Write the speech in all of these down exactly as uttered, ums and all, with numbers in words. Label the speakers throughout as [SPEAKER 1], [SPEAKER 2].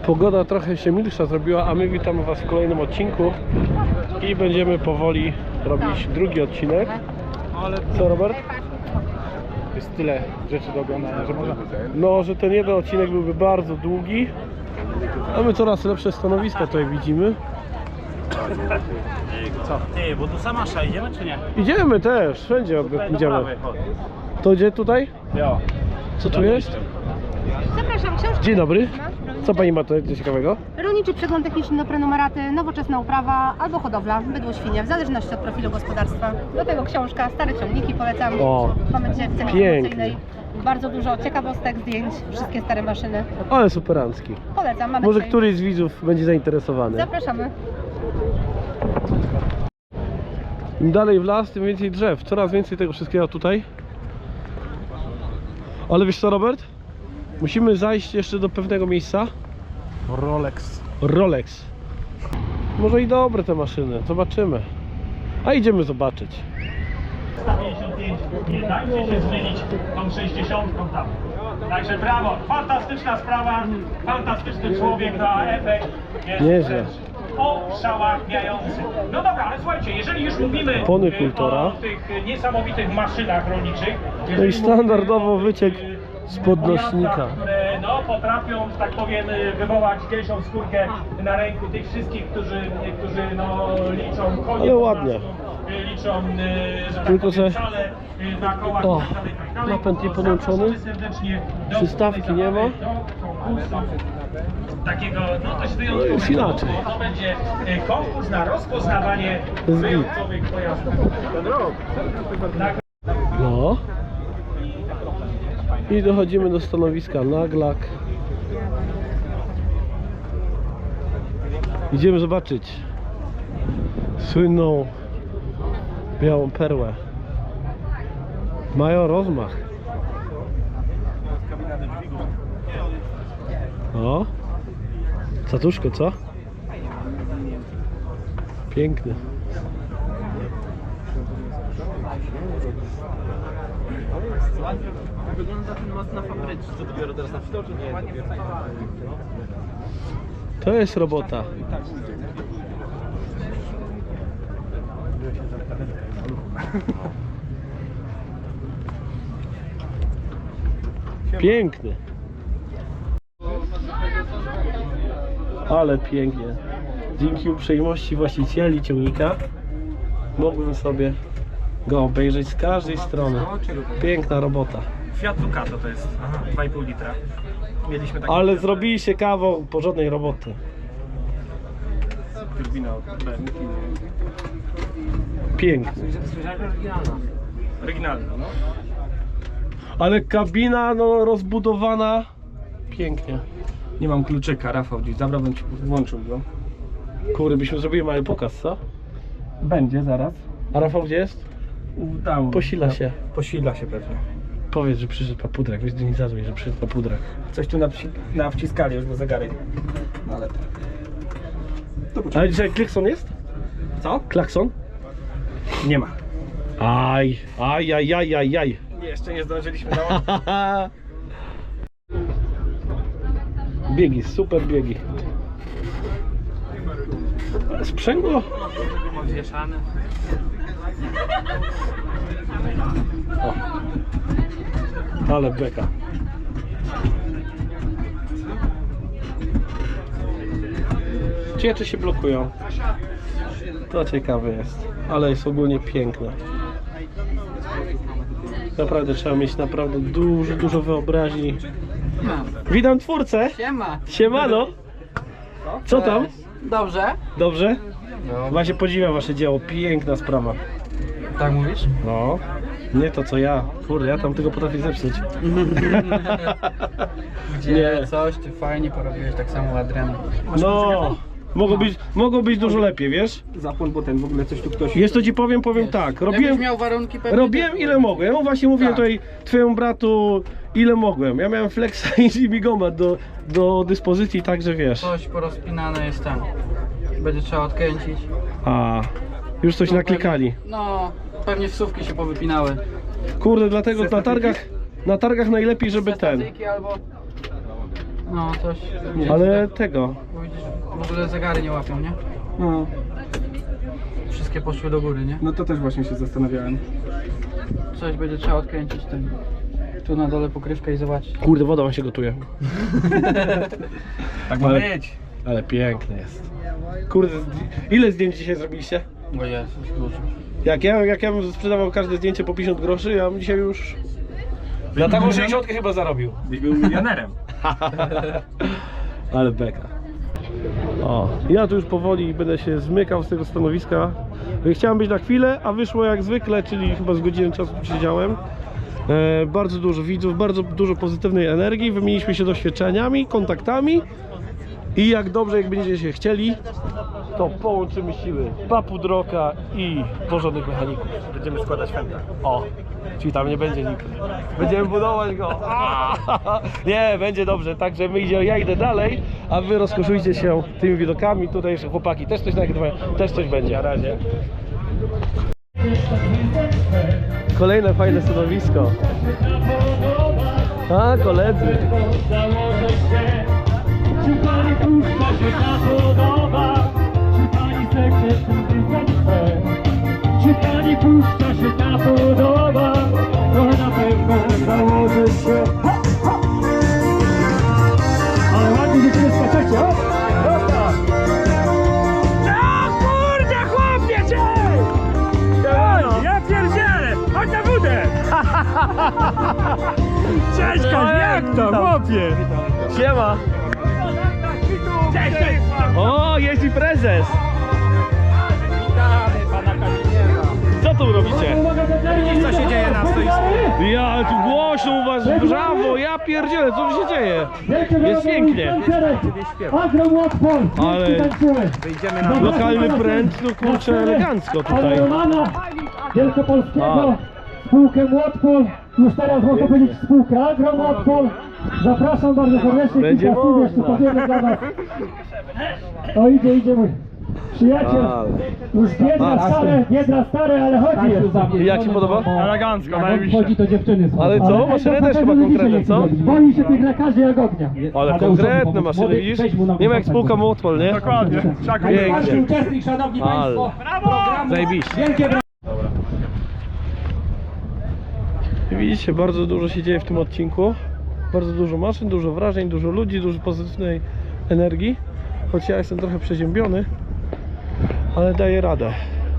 [SPEAKER 1] Pogoda trochę się milsza zrobiła, a my witamy Was w kolejnym odcinku i będziemy powoli robić drugi odcinek. Co, Robert?
[SPEAKER 2] Jest tyle rzeczy do oglądania, że można.
[SPEAKER 1] No, że ten jeden odcinek byłby bardzo długi, a my coraz lepsze stanowiska tutaj widzimy.
[SPEAKER 2] Co? Ty, bo tu sama sza, idziemy czy nie?
[SPEAKER 1] Idziemy też, wszędzie
[SPEAKER 2] Tutaj
[SPEAKER 1] idziemy.
[SPEAKER 2] do prawej, chodź.
[SPEAKER 1] To gdzie tutaj?
[SPEAKER 2] Jo.
[SPEAKER 1] Co tu jest?
[SPEAKER 3] Zapraszam, książki.
[SPEAKER 1] Dzień dobry. Co Pani ma tutaj ciekawego?
[SPEAKER 3] Rolniczy przegląd techniczny do prenumeraty, nowoczesna uprawa albo hodowla, bydło, świnie, w zależności od profilu gospodarstwa. Do tego książka, stare ciągniki polecam.
[SPEAKER 1] O,
[SPEAKER 3] Mamy dzisiaj w cenie
[SPEAKER 1] pięknie.
[SPEAKER 3] promocyjnej bardzo dużo ciekawostek, zdjęć, wszystkie stare maszyny.
[SPEAKER 1] Ale superancki.
[SPEAKER 3] Polecam, mamy
[SPEAKER 1] Może
[SPEAKER 3] dzisiaj.
[SPEAKER 1] któryś z widzów będzie zainteresowany.
[SPEAKER 3] Zapraszamy.
[SPEAKER 1] Im dalej w las, tym więcej drzew. Coraz więcej tego wszystkiego tutaj. Ale wiesz co, Robert? Musimy zajść jeszcze do pewnego miejsca.
[SPEAKER 2] Rolex.
[SPEAKER 1] Rolex. Może i dobre te maszyny, zobaczymy. A idziemy zobaczyć.
[SPEAKER 4] pięćdziesiąt pięć, nie dajcie się zmienić tą sześćdziesiątką tam. Także brawo, fantastyczna sprawa, fantastyczny człowiek na efekt jest
[SPEAKER 1] Nieźle.
[SPEAKER 4] oszałamiający. No dobra, ale słuchajcie, jeżeli już mówimy
[SPEAKER 1] Opony
[SPEAKER 4] y,
[SPEAKER 1] Kultora.
[SPEAKER 4] o tych niesamowitych maszynach rolniczych,
[SPEAKER 1] No
[SPEAKER 4] jeżeli
[SPEAKER 1] i standardowo
[SPEAKER 4] mówimy o
[SPEAKER 1] wyciek
[SPEAKER 4] tych, y,
[SPEAKER 1] z podnośnika.
[SPEAKER 4] pojazdach, które no, potrafią, że tak powiem, y, wywołać gęsią skórkę na ręku tych wszystkich, którzy, którzy no, liczą konie.
[SPEAKER 1] Ale
[SPEAKER 4] po
[SPEAKER 1] ładnie.
[SPEAKER 4] prostu, y, Liczą, y, że tak
[SPEAKER 1] Tylko,
[SPEAKER 4] powiem,
[SPEAKER 1] że-
[SPEAKER 4] szale, y, na kołach
[SPEAKER 1] O,
[SPEAKER 4] i tak dalej, i tak dalej.
[SPEAKER 1] napęd nie
[SPEAKER 4] To
[SPEAKER 1] podłączony.
[SPEAKER 4] zapraszamy serdecznie do
[SPEAKER 1] Przystawki nie ma.
[SPEAKER 4] do konkursu takiego no dość
[SPEAKER 1] No
[SPEAKER 4] wyjątkowego,
[SPEAKER 1] jest inaczej.
[SPEAKER 4] bo to będzie y, konkurs na rozpoznawanie
[SPEAKER 1] Zgid.
[SPEAKER 4] wyjątkowych pojazdów. Tak.
[SPEAKER 1] No. I dochodzimy do stanowiska Naglak. Idziemy zobaczyć słynną białą perłę. Mają rozmach. O, Catuszko, co? Piękny.
[SPEAKER 2] Wygląda ten most na fabryczce. Co dopiero teraz na wstoczu? Nie,
[SPEAKER 1] To jest robota. Piękny. Ale pięknie. Dzięki uprzejmości właścicieli ciągnika mogłem sobie go obejrzeć z każdej strony. Piękna robota.
[SPEAKER 4] Fiat Ducato to jest, aha, dwa i pół litra. Mieliśmy taki
[SPEAKER 1] Ale zrobiliście kawał porządnej roboty.
[SPEAKER 2] turbina od B M W.
[SPEAKER 1] Piękny.
[SPEAKER 4] oryginalny, no.
[SPEAKER 1] Ale kabina no rozbudowana. Pięknie.
[SPEAKER 2] Nie mam kluczyka, Rafał gdzieś zabrałbym ci, włączył go.
[SPEAKER 1] Kurde, byśmy zrobili mały pokaz, co?
[SPEAKER 2] Będzie zaraz.
[SPEAKER 1] A Rafał gdzie jest?
[SPEAKER 2] U, Tam.
[SPEAKER 1] Posila się.
[SPEAKER 2] Posila się pewnie.
[SPEAKER 1] Powiedz, że przyszedł papudrak. Weź do niej zadzwoń, że przyszedł papudrak.
[SPEAKER 2] Coś tu nawci nawciskali już, bo zegarek. No ale... To poczekaj.
[SPEAKER 1] Ale dzisiaj klakson jest?
[SPEAKER 2] Co?
[SPEAKER 1] Klakson?
[SPEAKER 2] Nie ma.
[SPEAKER 1] Aj, aj, aj, aj, aj, aj.
[SPEAKER 2] Jeszcze nie zdążyliśmy na
[SPEAKER 1] Biegi, super biegi. Sprzęgło?
[SPEAKER 2] odwieszane.
[SPEAKER 1] O. Ale beka. Ciebie się blokują. To ciekawe jest. Ale jest ogólnie piękne. Naprawdę trzeba mieć naprawdę dużo, dużo wyobraźni. Witam twórcę.
[SPEAKER 5] Siema.
[SPEAKER 1] Siemano. Co tam?
[SPEAKER 5] Dobrze?
[SPEAKER 1] Dobrze? Właśnie podziwiam wasze dzieło. Piękna sprawa.
[SPEAKER 5] Tak mówisz?
[SPEAKER 1] No. Nie to co ja. Kurde, ja tam tego potrafię zepsuć.
[SPEAKER 5] Gdzie
[SPEAKER 1] Nie.
[SPEAKER 5] coś ty fajnie porobiłeś, tak samo Adrian.
[SPEAKER 1] No. Mogło być, mogło być dużo lepiej, wiesz?
[SPEAKER 2] Zapłon, bo ten w ogóle coś tu ktoś...
[SPEAKER 1] Jest to ci powiem, powiem
[SPEAKER 5] Wiesz,
[SPEAKER 1] tak.
[SPEAKER 5] Jakbyś
[SPEAKER 1] Robiłem,
[SPEAKER 5] miał warunki pewnie...
[SPEAKER 1] robiłem
[SPEAKER 5] to-
[SPEAKER 1] ile mogłem. Ja właśnie mówiłem
[SPEAKER 5] Tak.
[SPEAKER 1] tutaj twojemu bratu ile mogłem. Ja miałem flexa i migomat do, do dyspozycji, także wiesz.
[SPEAKER 5] Coś porozpinane jest tam. Będzie trzeba odkręcić.
[SPEAKER 1] A, już coś
[SPEAKER 5] Tu
[SPEAKER 1] naklikali.
[SPEAKER 5] Pewnie, no, pewnie wsówki się powypinały.
[SPEAKER 1] Kurde, dlatego na targach, na targach najlepiej, żeby ten.
[SPEAKER 5] Statyki albo... No coś.
[SPEAKER 1] Ale tego.
[SPEAKER 5] Bo widzisz, w ogóle zegary nie łapią, nie?
[SPEAKER 2] No,
[SPEAKER 5] Wszystkie poszły do góry, nie?
[SPEAKER 2] no to też właśnie się zastanawiałem.
[SPEAKER 5] Coś będzie trzeba odkręcić ten. Tu na dole pokrywkę i zobaczyć.
[SPEAKER 1] Kurde, woda wam się gotuje.
[SPEAKER 2] Tak
[SPEAKER 1] Ale-
[SPEAKER 2] być.
[SPEAKER 1] Ale piękny jest. Kurde, zdj- ile zdjęć dzisiaj zrobiliście?
[SPEAKER 5] Bo jest, już dużo.
[SPEAKER 1] Jak ja, jak ja bym sprzedawał każde zdjęcie po pięćdziesiąt groszy, ja bym dzisiaj już na taką sześćdziesiąt chyba zarobił.
[SPEAKER 2] Byś był milionerem.
[SPEAKER 1] Ale beka. O, ja tu już powoli będę się zmykał z tego stanowiska. Chciałem być na chwilę, a wyszło jak zwykle, czyli chyba z godziny czasu siedziałem. E, bardzo dużo widzów, bardzo dużo pozytywnej energii. Wymieniliśmy się doświadczeniami, kontaktami. I jak dobrze, jak będziecie się chcieli, to połączymy siły Papudroka i porządnych mechaników.
[SPEAKER 2] Będziemy składać fenta.
[SPEAKER 1] O, czyli tam nie będzie nikt. Będziemy budować go. Aaaa! Nie, będzie dobrze, także my idziemy, ja idę dalej, a wy rozkoszujcie się tymi widokami. Tutaj jeszcze chłopaki też coś nagrywają, też coś będzie. Na razie. Kolejne fajne stanowisko. A, koledzy.
[SPEAKER 4] Czy pani puszcza się ta podoba? Czy pani sekret ten Czy pani puszcza się ta podoba? To na pewno założy się. Ha, ha. Ale ładnie dziewczyny skaczecie, o! Dobra! O kurde, chłopie, cię! Ja pierdzielę! Chodź na wódę! Cześć, jak to, chłopie?
[SPEAKER 1] Siema.
[SPEAKER 4] Cześć, cześć!
[SPEAKER 1] O, jest i prezes. Co tu robicie?
[SPEAKER 2] Co się dzieje na stoisku?
[SPEAKER 1] Ja, ale tu głośno u was, brawo, ja pierdzielę, co tu się dzieje? Jest pięknie. Ale
[SPEAKER 2] Wyjdziemy na
[SPEAKER 1] lokalny pręt, no kurczę, elegancko tutaj.
[SPEAKER 6] Romana Wielkopolskiego,
[SPEAKER 1] A.
[SPEAKER 6] spółkę Młotpol, już teraz można powiedzieć spółkę Agro Młotpol. Zapraszam bardzo serdecznie,
[SPEAKER 1] Będzie
[SPEAKER 6] kilka słów jeszcze
[SPEAKER 1] można.
[SPEAKER 6] powiemy dla was. O, idzie, idzie mój przyjaciel,
[SPEAKER 1] Ale.
[SPEAKER 6] już biedra stare, biedra stare, ale chodzi jest.
[SPEAKER 1] I jak się podoba?
[SPEAKER 2] elegancko,
[SPEAKER 6] Jak on wchodzi, to dziewczyny są.
[SPEAKER 1] Ale co? Maszyny też chyba konkretne, co?
[SPEAKER 6] Boi się tych lekarzy jak ognia.
[SPEAKER 1] Ale konkretne maszyny, widzisz? Nie ma jak spółka Młotpol, nie?
[SPEAKER 2] Dokładnie. Trzeba
[SPEAKER 1] Pięknie.
[SPEAKER 6] Pierwszy uczestnik, szanowni
[SPEAKER 1] Ale.
[SPEAKER 6] państwo, programu.
[SPEAKER 1] Zajebiście.
[SPEAKER 6] Wielkie brawa.
[SPEAKER 1] Widzicie, bardzo dużo się dzieje w tym odcinku. Bardzo dużo maszyn, dużo wrażeń, dużo ludzi, dużo pozytywnej energii. Choć ja jestem trochę przeziębiony, ale daję radę.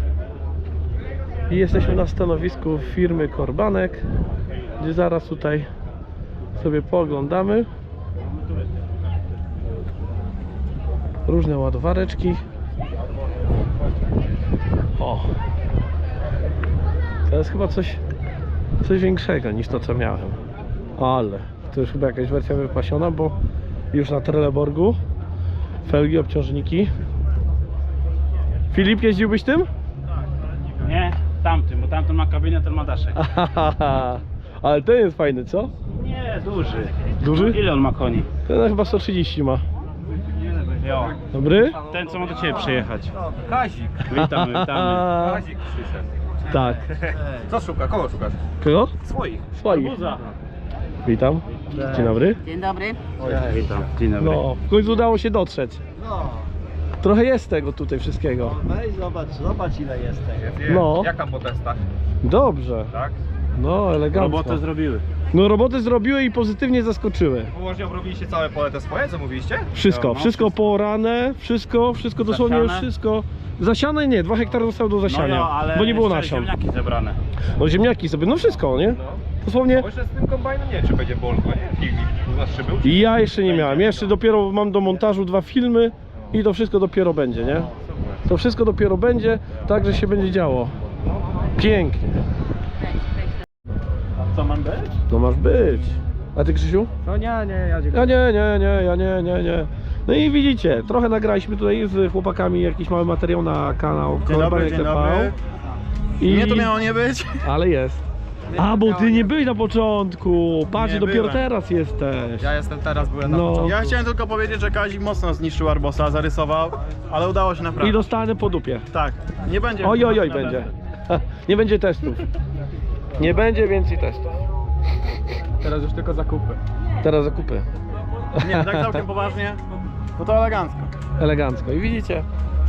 [SPEAKER 1] I jesteśmy na stanowisku firmy Korbanek, gdzie zaraz tutaj sobie pooglądamy różne ładowareczki. O! To jest chyba coś coś większego niż to, co miałem. Ale to już chyba jakaś wersja wypasiona, bo już na Trelleborgu felgi, obciążniki. Filip, jeździłbyś tym?
[SPEAKER 7] Nie, tamtym, bo tamten ma kabinę, ten ma daszek.
[SPEAKER 1] Ale ten jest fajny, co?
[SPEAKER 7] Nie, duży.
[SPEAKER 1] Duży?
[SPEAKER 7] Ile on ma koni?
[SPEAKER 1] Ten chyba sto trzydzieści ma.
[SPEAKER 7] Jo.
[SPEAKER 1] Dobry?
[SPEAKER 7] Ten, co ma do ciebie przyjechać.
[SPEAKER 2] Kazik.
[SPEAKER 7] Witamy, witamy.
[SPEAKER 2] Kazik przyszedł.
[SPEAKER 1] Tak.
[SPEAKER 2] Co szuka? Kogo szukasz?
[SPEAKER 1] Kogo?
[SPEAKER 2] Swoich.
[SPEAKER 1] Swoich. Witam. Dzień dobry.
[SPEAKER 3] Dzień dobry.
[SPEAKER 7] Witam, dzień dobry.
[SPEAKER 1] No, w końcu udało się dotrzeć. Trochę jest tego tutaj wszystkiego.
[SPEAKER 8] Weź zobacz, zobacz ile jest tego.
[SPEAKER 1] No.
[SPEAKER 2] Jak tam po testach?
[SPEAKER 1] Dobrze.
[SPEAKER 2] Tak?
[SPEAKER 1] No, elegancko.
[SPEAKER 7] Robotę zrobiły.
[SPEAKER 1] No, roboty zrobiły i pozytywnie zaskoczyły.
[SPEAKER 2] Położnie obrobiliście całe pole te swoje, co mówiliście?
[SPEAKER 1] Wszystko,
[SPEAKER 7] No, no,
[SPEAKER 1] wszystko
[SPEAKER 7] wszystko.
[SPEAKER 1] poorane, wszystko, wszystko dosłownie już
[SPEAKER 7] Zasiane?
[SPEAKER 1] wszystko. Zasiane nie, dwa hektary zostały do
[SPEAKER 7] No
[SPEAKER 1] zasiania,
[SPEAKER 7] jo, ale
[SPEAKER 1] bo nie było
[SPEAKER 7] jeszcze
[SPEAKER 1] nasion.
[SPEAKER 7] ziemniaki zebrane.
[SPEAKER 1] No ziemniaki sobie, no wszystko, nie? Dosłownie.
[SPEAKER 2] Bo jeszcze z tym kombajnem nie wiem, czy będzie bolko, nie? Filmik u nas czy był? Czy...
[SPEAKER 1] I ja jeszcze nie miałem, ja jeszcze dopiero mam do montażu dwa filmy i to wszystko dopiero będzie, nie? To wszystko dopiero będzie, także się będzie działo. Pięknie.
[SPEAKER 7] Co mam być?
[SPEAKER 1] No masz być. A ty, Krzysiu?
[SPEAKER 2] No nie, nie, ja dziękuję.
[SPEAKER 1] Ja nie, nie, nie, ja nie, nie, nie. No i widzicie, trochę nagraliśmy tutaj z chłopakami jakiś mały materiał na kanał Korbanek T V. I...
[SPEAKER 8] Nie to miało nie być.
[SPEAKER 1] Ale jest. A, bo ty nie byłeś na początku. Patrz,
[SPEAKER 8] Nie
[SPEAKER 1] dopiero
[SPEAKER 8] byłem.
[SPEAKER 1] teraz jesteś.
[SPEAKER 2] Ja jestem teraz, byłem na
[SPEAKER 1] No.
[SPEAKER 2] początku.
[SPEAKER 8] Ja chciałem tylko powiedzieć, że Kazik mocno zniszczył Arbosa, zarysował, ale udało się
[SPEAKER 1] I
[SPEAKER 8] naprawdę.
[SPEAKER 1] dostanę po dupie.
[SPEAKER 8] Tak, nie będzie.
[SPEAKER 1] Oj, oj, oj, będzie. Nie będzie testów. Nie będzie więcej testów.
[SPEAKER 2] Teraz już tylko zakupy.
[SPEAKER 1] Teraz zakupy.
[SPEAKER 8] Nie, tak całkiem poważnie, no to elegancko.
[SPEAKER 1] Elegancko. I widzicie?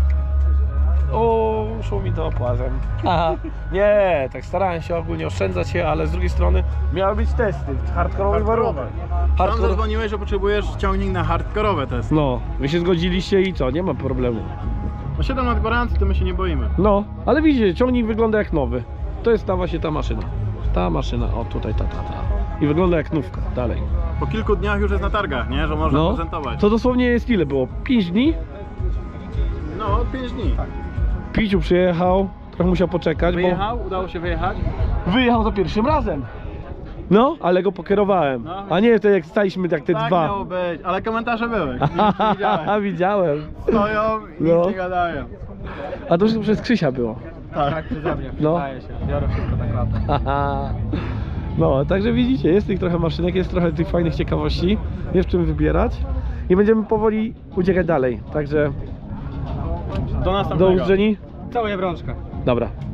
[SPEAKER 1] O, szumi to płazem. Aha. Nie, tak starałem się ogólnie oszczędzać się, ale z drugiej strony miały być testy w hardkorowych warunkach.
[SPEAKER 8] Tam
[SPEAKER 1] Hardcore...
[SPEAKER 8] zadzwoniłeś, że potrzebujesz ciągnik na hardkorowe testy.
[SPEAKER 1] No, wy się zgodziliście i co? Nie ma problemu.
[SPEAKER 8] No siedem lat gwarancji, to my się nie boimy.
[SPEAKER 1] No, ale widzicie, ciągnik wygląda jak nowy. To jest ta właśnie ta maszyna. Ta maszyna, o tutaj ta, ta, ta. I wygląda jak nówka, dalej.
[SPEAKER 8] Po kilku dniach już jest na targach, nie? Że można
[SPEAKER 1] No,
[SPEAKER 8] prezentować.
[SPEAKER 1] to dosłownie jest ile było? pięć dni?
[SPEAKER 8] No, pięć dni.
[SPEAKER 1] Piciu przyjechał, trochę musiał poczekać,
[SPEAKER 8] Wyjechał, udało się wyjechać.
[SPEAKER 1] bo wyjechał za pierwszym razem. No, ale go pokierowałem.
[SPEAKER 8] No.
[SPEAKER 1] A nie, to jak staliśmy tak te
[SPEAKER 8] Tak
[SPEAKER 1] dwa.
[SPEAKER 8] miało być, ale komentarze były. Nic nie widziałem.
[SPEAKER 1] Widziałem.
[SPEAKER 8] Stoją i
[SPEAKER 1] No.
[SPEAKER 8] nic nie gadają.
[SPEAKER 1] A to wszystko przez Krzysia było.
[SPEAKER 8] Tak.
[SPEAKER 5] Przeze mnie,
[SPEAKER 1] No.
[SPEAKER 5] przyznaję się. Biorę wszystko na klatę.
[SPEAKER 1] No, także widzicie, jest tych trochę maszynek, jest trochę tych fajnych ciekawości, jest w czym wybierać i będziemy powoli uciekać dalej, także
[SPEAKER 8] Do
[SPEAKER 1] do
[SPEAKER 8] następnego.
[SPEAKER 1] usłyszenia.
[SPEAKER 5] Całuję brączkę.
[SPEAKER 1] Dobra.